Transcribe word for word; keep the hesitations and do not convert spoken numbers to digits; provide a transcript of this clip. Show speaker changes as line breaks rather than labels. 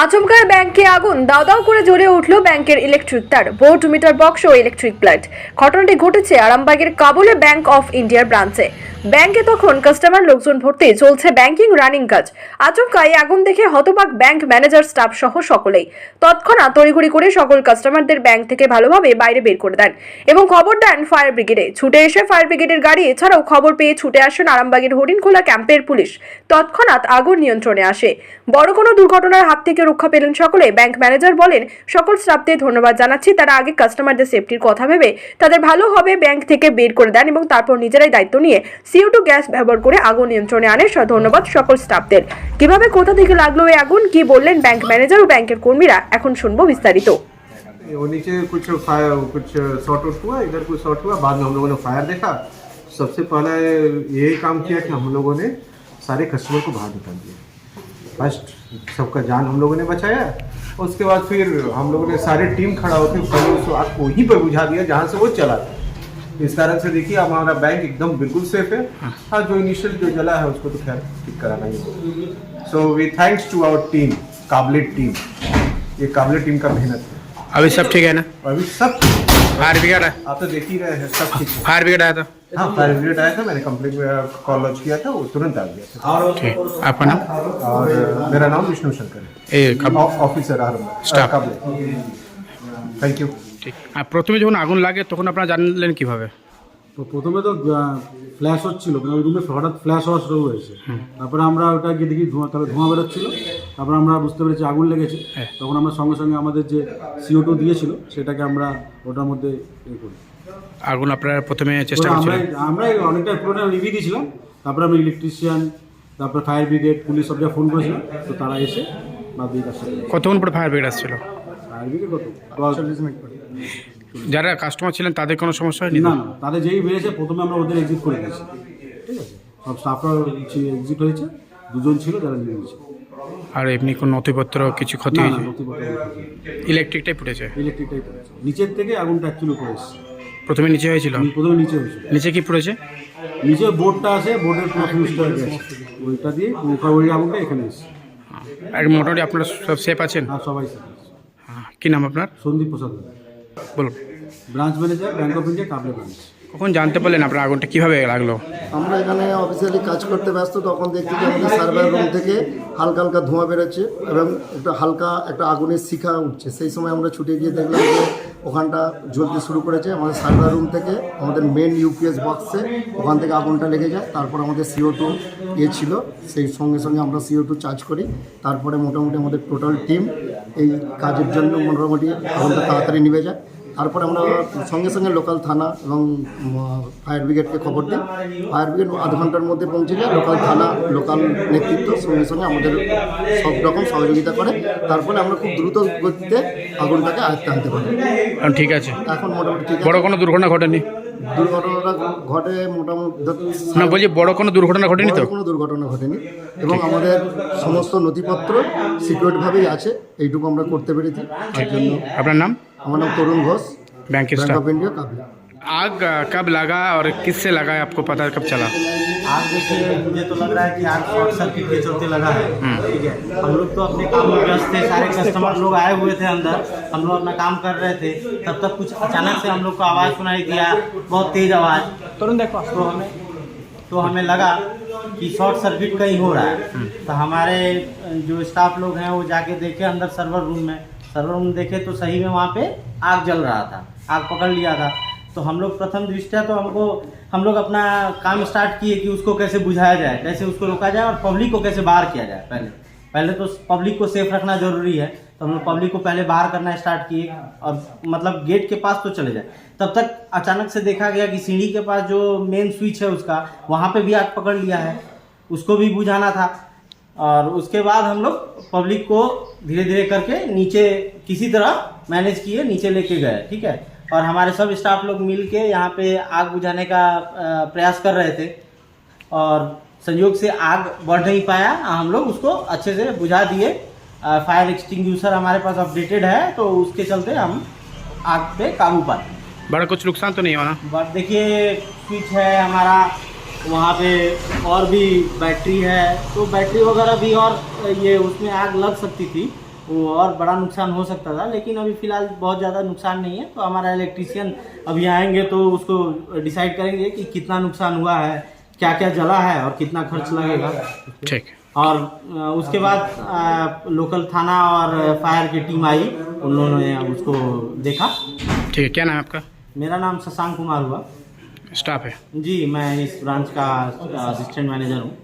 আচমকায় ব্যাংকে আগুন, দাও দাও করে জ্বলে উঠল ব্যাংকের ইলেকট্রিক তার, ভোল্ট মিটার বক্স ও ইলেকট্রিক প্লান্ট। ঘটনাটি ঘটেছে আরামবাগের কাবুলে ব্যাংক অফ ইন্ডিয়ার ব্রাঞ্চে। ব্যাংকে তখন কাস্টমার লোকজন ভর্তি, চলছে ব্যাংকিং রানিং কাজ। আচমকায় আগুন দেখে হতবাক ব্যাংক ম্যানেজার, স্টাফ সহ সকলেই। তৎক্ষণাৎ তড়িঘড়ি করে সকল কাস্টমারদের ব্যাংক থেকে ভালোভাবে বাইরে বের করে দেন এবং খবর দেন ফায়ার ব্রিগেডে। ছুটে এসে ফায়ার ব্রিগেডের গাড়ি এছাড়াও খবর পেয়ে ছুটে আসেন আরামবাগের হরিণখোলা ক্যাম্পের পুলিশ। তৎক্ষণাৎ আগুন নিয়ন্ত্রণে আসে। বড় কোনো দুর্ঘটনার হাত থেকে রক্ষা পেলেন সকলে। ব্যাংক ম্যানেজার বলেন, সকল স্টাফদের ধন্যবাদ জানাচ্ছি, তারা আগে কাস্টমারদের সেফটির কথা ভেবে তাদের ভালো হবে ব্যাংক থেকে বের করে দেন এবং তারপর নিজেরাই দায়িত্ব নিয়ে সিও টু গ্যাস ব্যবহার করে আগুন নিয়ন্ত্রণে আনে। ধন্যবাদ সকল স্টাফদের। কিভাবে, কোথা থেকে লাগলো এই আগুন, কি বললেন ব্যাংক ম্যানেজার ও ব্যাংকের কর্মীরা, এখন শুনবো বিস্তারিত।
वो नीचे कुछ फायर कुछ शॉर्ट आउट हुआ, इधर कुछ शॉर्ट हुआ, बाद में हम लोगों ने फायर देखा। सबसे पहले यही काम किया कि हम लोगों ने सारे कस्टमर को बाहर निकाल दिया। फर्स्ट सबका जान हम लोगों ने बचाया। उसके बाद फिर हम लोगों ने सारी टीम खड़ा होकर पहले उस आग को वहीं पर बुझा दिया जहाँ से वो चला था। इस कारण से देखिए अब हमारा बैंक एकदम बिल्कुल सेफ है। हाँ, जो इनिशियल जो जला है उसको तो खैर ठीक कराना ही होगा। So we thanks to our team, काबिलियत टीम। ये काबिलियत टीम का मेहनत है।
अभी सब ठीक है ना?
अभी सब
फायर ब्रिगेड है?
आप तो देख ही रहे हैं, सब ठीक है।
फायर ब्रिगेड आया था?
हाँ, फायर ब्रिगेड आया था, मैंने कंप्लेंट में कॉल लॉन्च किया था, वो तुरंत आ गया था।
ठीक। आपका नाम?
और मेरा नाम विष्णु शंकर है,
ए कब?
Officer
Staff.
Thank you.
ঠিক। আর প্রথমে যখন আগুন লাগে তখন আপনারা জানলেন কিভাবে?
তো প্রথমে তো ফ্ল্যাশ হচ্ছিল, মানে ওই রুমে হঠাৎ ফ্ল্যাশ হওয়া শুরু হয়েছে। তারপরে আমরা ওটা গিয়ে দেখি ধোঁয়া, তারপরে ধোঁয়া বেরোচ্ছিল। তারপরে আমরা বুঝতে পেরেছি আগুন লেগেছে। তখন আমরা সঙ্গে সঙ্গে আমাদের যে সিও টু দিয়েছিল সেটাকে আমরা ওটার মধ্যে ইয়ে করি।
আগুন আপনারা প্রথমে চেষ্টা
আমরা
করছিলেন?
আমরা অনেকটা পুরোটা রিভিউ দিয়েছিলাম। তারপরে আমরা ইলেকট্রিশিয়ান, তারপরে ফায়ার ব্রিগেড, পুলিশ সব জায়গায় ফোন করেছিলাম। তো তারা এসে বা দিয়ে কাজটা করেছে।
কতক্ষণ পরে ফায়ার ব্রিগেড আসছিল?
ফায়ার ব্রিগেড কত চল্লিশ মিনিট পরে।
যারা কাস্টমার ছিলেন তাদের কোনো সমস্যা হয়নি?
না না, তাদের যেই বেড়েছে প্রথমে আমরা ওদের এক্সিট করে দিয়েছি। ঠিক আছে, সব স্টাফরা এক্সিট হয়েছে, দুজন ছিল যারা নিয়েছে।
আর এমনি কোনো নথিপত্র কিছু ক্ষতি
না না,
হয়েছে?
নথিপত্র
ইলেকট্রিকটাই ফুটেছে?
ইলেকট্রিকটাই পড়েছে। নিচের থেকে আগুনটা অ্যাকচুয়ালি পড়েছে।
প্রথমে নিচে হয়েছিল?
প্রথমে নিচে হয়েছিল।
নিচে কি পুড়েছে?
নিচে বোর্ডটা আছে, বোর্ডের পুরো ফিউজটা গেছে, ওইটা দিয়ে ওই আগুনটা এখানে এসেছে।
আর মোটামুটি আপনারা সব সেফ আছেন?
আর সবাই সাথে আছে।
হ্যাঁ। কী নাম আপনার?
সন্দীপ প্রসাদ,
বলুন।
Branch manager, bank of India, Kable branch.
কখন জানতে পারলেন আপনার আগুনটা কীভাবে লাগলো?
আমরা এখানে অফিসিয়ালি কাজ করতে ব্যস্ত, তখন দেখছি যে আমাদের সার্ভার রুম থেকে হালকা হালকা ধোঁয়া বেরোচ্ছে এবং একটা হালকা একটা আগুনের শিখা উঠছে। সেই সময় আমরা ছুটে গিয়ে দেখলাম যে ওখানটা জ্বলতে শুরু করেছে। আমাদের সার্ভার রুম থেকে আমাদের মেন ইউপিএস বক্সে ওখান থেকে আগুনটা লেগে যায়। তারপর আমাদের সিও টু ইয়ে ছিল, সেই সঙ্গে সঙ্গে আমরা সিও টু চার্জ করি। তারপরে মোটামুটি আমাদের টোটাল টিম এই কাজের জন্য মোটামুটি আগুনটা তাড়াতাড়ি নিভে যায়। তারপরে আমরা সঙ্গে সঙ্গে লোকাল থানা এবং ফায়ার ব্রিগেডকে খবর দিই। ফায়ার ব্রিগেড আধ ঘন্টার মধ্যে পৌঁছে যায়। লোকাল থানা, লোকাল নেতৃত্ব সঙ্গে সঙ্গে আমাদের সব রকম সহযোগিতা করে। তারপরে আমরা খুব দ্রুত গতিতে আগুনটাকে আয়ত্তে আনতে পারি।
ঠিক আছে,
এখন মোটামুটি ঠিক
বড়
আছে।
কোনো দুর্ঘটনা ঘটেনি?
দুর্ঘটনা ঘটে মোটামুটি
না, বলছি বড় কোনো দুর্ঘটনা ঘটেনি তো?
বড় কোনো দুর্ঘটনা ঘটেনি এবং আমাদের সমস্ত নথিপত্র সিকিউরভাবেই আছে, এইটুকু আমরা করতে পেরেছি। তার জন্য
আপনার নাম?
আমার নাম Tarun Ghosh,
bank
bank
staff.
Of India Kable.
आग कब लगा और किससे लगा, आपको पता कब चला?
आग देखिए, मुझे तो लग रहा है कि आग शॉर्ट सर्किट के चलते लगा है। ठीक है, हम लोग तो अपने काम में व्यस्त थे, सारे कस्टमर लोग आए हुए थे अंदर, हम लोग अपना काम कर रहे थे। तब तक कुछ अचानक से हम लोग को आवाज़ सुनाई दिया, बहुत तेज़ आवाज़। तुरंत देखो, तो हमें तो हमें लगा कि शॉर्ट सर्किट कहीं हो रहा है। तो हमारे जो स्टाफ लोग हैं वो जाके देखे अंदर सर्वर रूम में। सर्वर रूम देखे तो सही में वहाँ पे आग जल रहा था, आग पकड़ लिया था। तो हम लोग प्रथम दृष्टया तो हमको हम लोग अपना काम स्टार्ट किए कि उसको कैसे बुझाया जाए, कैसे उसको रोका जाए और पब्लिक को कैसे बाहर किया जाए। पहले पहले तो पब्लिक को सेफ रखना जरूरी है, तो हम लोग पब्लिक को पहले बाहर करना स्टार्ट किए और मतलब गेट के पास तो चले जाए। तब तक अचानक से देखा गया कि सीढ़ी के पास जो मेन स्विच है उसका, वहाँ पर भी आग पकड़ लिया है, उसको भी बुझाना था। और उसके बाद हम लोग पब्लिक को धीरे धीरे करके नीचे किसी तरह मैनेज किए, नीचे लेके गए। ठीक है, और हमारे सब स्टाफ लोग मिल के यहाँ पे आग बुझाने का प्रयास कर रहे थे और संयोग से आग बढ़ नहीं पाया, हम लोग उसको अच्छे से बुझा दिए। फायर एक्सटिंग्विशर हमारे पास अपडेटेड है, तो उसके चलते हम आग पे काबू पाते।
बड़ा कुछ नुकसान तो नहीं हुआ?
बट देखिए, स्विच है हमारा, वहाँ पे और भी बैटरी है, तो बैटरी वगैरह भी और ये उसमें आग लग सकती थी। वो और बड़ा नुकसान हो सकता था, लेकिन अभी फ़िलहाल बहुत ज़्यादा नुकसान नहीं है। तो हमारा इलेक्ट्रीशियन अभी आएंगे तो उसको डिसाइड करेंगे कि कितना नुकसान हुआ है, क्या क्या जला है और कितना खर्च लगेगा।
ठीक है।
और अ, उसके बाद अ, लोकल थाना और फायर की टीम आई, उन लोगों ने उसको देखा।
ठीक है, क्या नाम है आपका?
मेरा नाम शशांक कुमार हुआ।
स्टाफ है।
जी, मैं इस ब्रांच का असिस्टेंट मैनेजर हूँ।